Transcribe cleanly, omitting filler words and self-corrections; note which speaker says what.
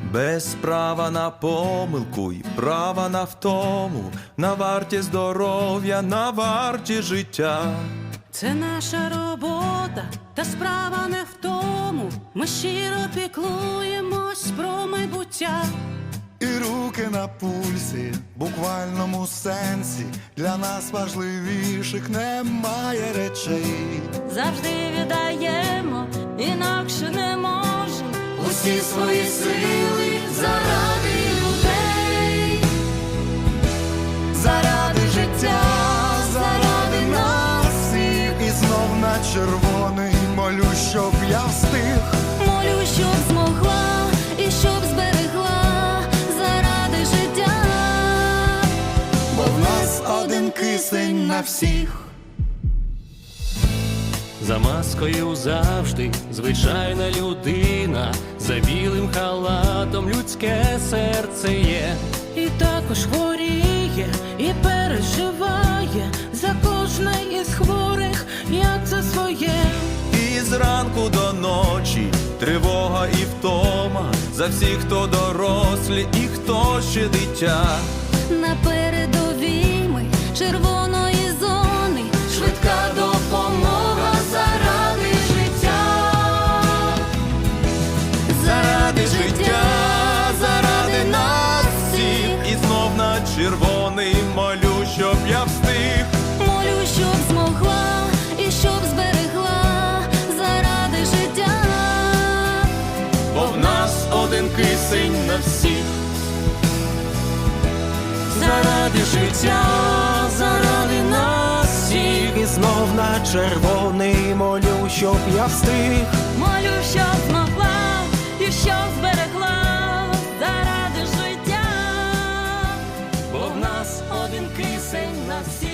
Speaker 1: без права на помилку й права на втому, на варті здоров'я, на варті життя.
Speaker 2: Це наша робота, та справа не в тому. Ми щиро піклуємось про майбуття.
Speaker 3: І руки на пульсі, в буквальному сенсі, для нас важливіших немає речей.
Speaker 2: Завжди віддаємо, інакше не можемо, усі свої сили заради людей.
Speaker 3: Заради життя, заради нас всіх. І знов на червоний молю, щоб я встиг.
Speaker 2: Молю, щоб змогла і щоб зберегла заради життя.
Speaker 3: Бо в нас один кисень на всіх.
Speaker 4: За маскою завжди звичайна людина, за білим халатом людське серце є.
Speaker 2: І також хворіє, і переживає за кожне із хворих, як за своє.
Speaker 1: І зранку до ночі тривога і втома, за всіх, хто дорослі і хто ще дитя.
Speaker 2: На передовій ми червоної зони, швидка допомога заради життя.
Speaker 1: Заради життя, заради нас всіх. І знов на червоний молю, щоб я встиг.
Speaker 2: Молю, щоб змогла і щоб зберегла заради життя.
Speaker 1: Бо в нас один кисень на всіх.
Speaker 4: Заради життя, заради нас всіх. І знов на червоний молю, щоб я встиг.
Speaker 2: Молю, щоб змогла і щоб зберегла заради життя.
Speaker 4: Бо в нас один кисень на всіх.